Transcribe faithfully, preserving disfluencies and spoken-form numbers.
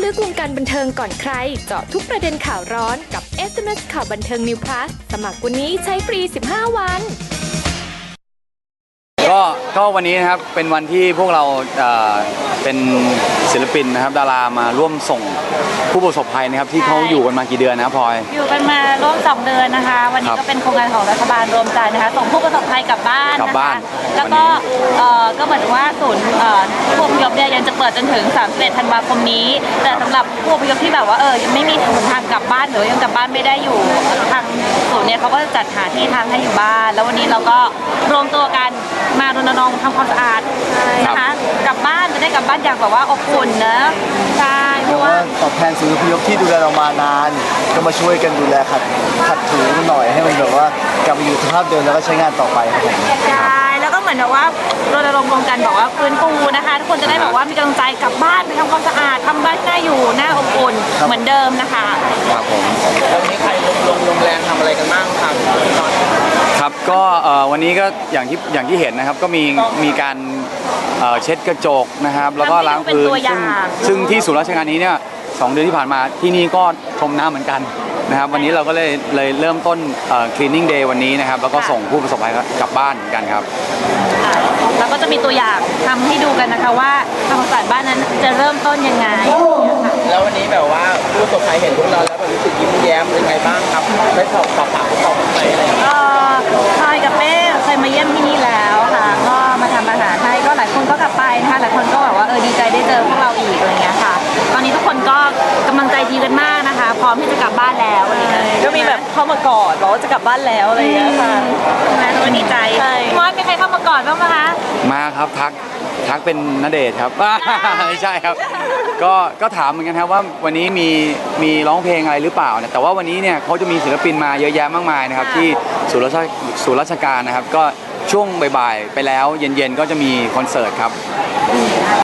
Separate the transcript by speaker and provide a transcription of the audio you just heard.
Speaker 1: ลึกวงการบันเทิงก่อนใครเจาะทุกประเด็นข่าวร้อนกับ เอส เอ็ม เอส ข่าวบันเทิง New Plus สมัครวันนี้ใช้ฟรี สิบห้า วัน
Speaker 2: ก็ก็วันนี้นะครับเป็นวันที่พวกเราเอ่อเป็นศิลปินนะครับดารามาร่วมส่งผู้ประสบภัยนะครับที่เขาอยู่กันมากี่เดือนนะครับพลอย
Speaker 3: อยู่กันมาร่วมสองเดือนนะคะวันนี้ก็เป็นโครงการของรัฐบาลรวมใจนะคะส่งผู้ประสบภัยกลับบ้าน
Speaker 2: กลับบ้าน
Speaker 3: แล้วก็เอ่อก็เหมือนว่าศูนย์เอ่อผู้อพยพเนี่ยยังจะเปิดจนถึงสามสิบเอ็ดธันวาคมนี้แต่สำหรับผู้อพยพที่แบบว่าเออยังไม่มีทางกลับบ้านหรือยังกลับบ้านไม่ได้อยู่ทางศูนย์เนี่ยเขาก็จะจัดหาที่ทางให้อยู่บ้านแล้ววันนี้เราก็รวมตัวกันมารณรงค์ทำความสะอาดนะคะกลับบ้านจะได้กลับบ้านอย่างแบบว่าอบอุ่นนะใช่เพราะว่า
Speaker 4: ตอบแทนศูนย์อพยพที่ดูแลเรามานานก็มาช่วยกันดูแลขัดขัดถูหน่อยให้มันแบบว่ากลับมาอยู่สภาพเดิมแล้วก็ใช้งานต่อไปครับผม
Speaker 3: ใช่แล้วก็เหมือนแบบว่ารณรงค์รวมกันบอกว่าฟื้นฟูนะคะทุกคนจะได้แบบว่ามีกำลังใจกลับบ้านไปทำความสะอาดทำบ้านน่าอยู่น่าอบอุ่นเหมือนเดิมนะคะ
Speaker 2: ครับผม
Speaker 5: แล้ววันนี้ใครลงลงลงแรงทำอะไรกันบ้างครับ
Speaker 2: ครับก็วันนี้ก็อย่างที่อย่างที่เห็นนะครับก็มีมีการเช็ดกระจกนะครับแล้วก็ล้างพื้นซึ่งซึ่งที่ศูนย์ราชการนี้เนี่ยสองเดือนที่ผ่านมาที่นี่ก็ชมน้ำเหมือนกันนะครับวันนี้เราก็เลยเลยเริ่มต้น cleaning day วันนี้นะครับแล้วก็ส่งผู้ประสบภัยกลับบ้านเหมือนกันครับ
Speaker 3: แล้วก็จะมีตัวอย่างทำให้ดูกันนะคะว่าทำความสะอาดบ้านนั้นจะเริ่มต้นยังไง
Speaker 5: แล้ววันนี้แบบว่าผู้ประสบภัยเห็นพวกเราแล้วแบบรู้สึกยิ้มแย้มเป็นไงบ้างครับได้สอบปากปากสอบไปอะไรอย่างเงี้ย
Speaker 3: พลอยกับเป้เคยมาเยี่ยมที่นี่แล้วค่ะก็มาทำอาหารให้ก็หลายคนก็กลับไปนะคะหลายคนก็แบบว่าเออดีใจได้เจอพวกเราอีกอะไรเงี้ยค่ะตอนนี้ทุกคนก็กำลังใจดีกันมากนะคะพร้อมที่จะกลับบ้านแล้ว
Speaker 6: ก็มีแบบเข้ามากอดบอกว่าจะกลับบ้านแล้วอะไรอย่างเงี้ยค่ะ
Speaker 3: นะทุกคนดีใจมอสมีใครเข้ามากอดบ้างไหมคะ
Speaker 2: มาครับทักทักเป็นณเดชน์ครับไม่ใช่ครับก็ก็ถามเหมือนกันครับว่าวันนี้มีมีร้องเพลงอะไรหรือเปล่าเนี่ยแต่ว่าวันนี้เนี่ยเขาจะมีศิลปินมาเยอะแยะมากมายนะครับที่ศูนย์ราชศูนย์ราชการนะครับก็ช่วงบ่ายๆไปแล้วเย็นๆก็จะมีคอนเสิร์ตครับ